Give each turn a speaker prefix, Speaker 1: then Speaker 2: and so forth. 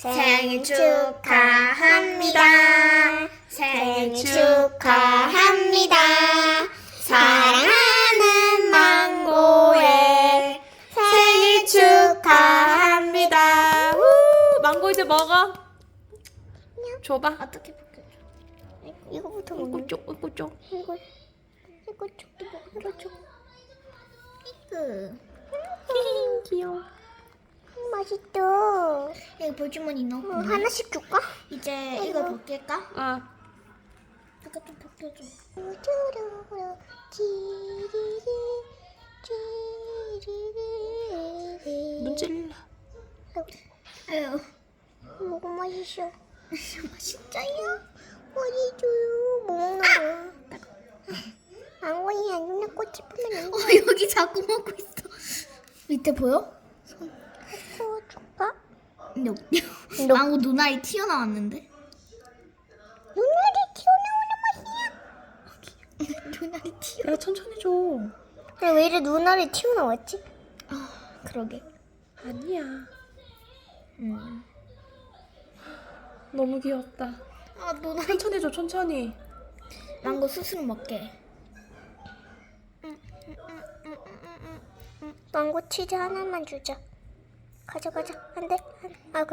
Speaker 1: 생일 축하합니다. 생일 축하합니다. 사랑하는 망고의 생일 축하합니다.
Speaker 2: 우, 망고 이제 먹어. 줘봐.
Speaker 1: 어떻게 먹여줘? 이거부터 먹는
Speaker 2: 이거 쪽, 이거 쪽.
Speaker 1: 이거 쪽도 먹여줘. 이거
Speaker 2: 귀여워.
Speaker 1: 맛있다. 여기 볼주머니 넣고 하나씩 줄까? 이제 이거 벗길까?
Speaker 2: 어.
Speaker 1: 이거 좀 벗겨줘.
Speaker 2: 눈 찔러.
Speaker 1: 아유, 뭐가 맛있어? 맛있어요. 맛있어요. 뭐 먹는 거야? 망고야, 눈에 꽃이 피면 여기 자꾸 먹고 있어. 밑에 보여? 손. 줄까? 망고 눈알이 튀어나왔는데? 눈알이 튀어나오는 맛이야. 눈알이 튀어.
Speaker 2: 야, 천천히 줘.
Speaker 1: 왜 이래 눈알이 튀어나왔지? 아, 그러게.
Speaker 2: 아니야. 너무 귀엽다.
Speaker 1: 아, 눈알이.
Speaker 2: 천천히 줘, 천천히.
Speaker 1: 망고 스스로 먹게. 망고 치즈 하나만 주자. 가져가자. 안 돼? 아,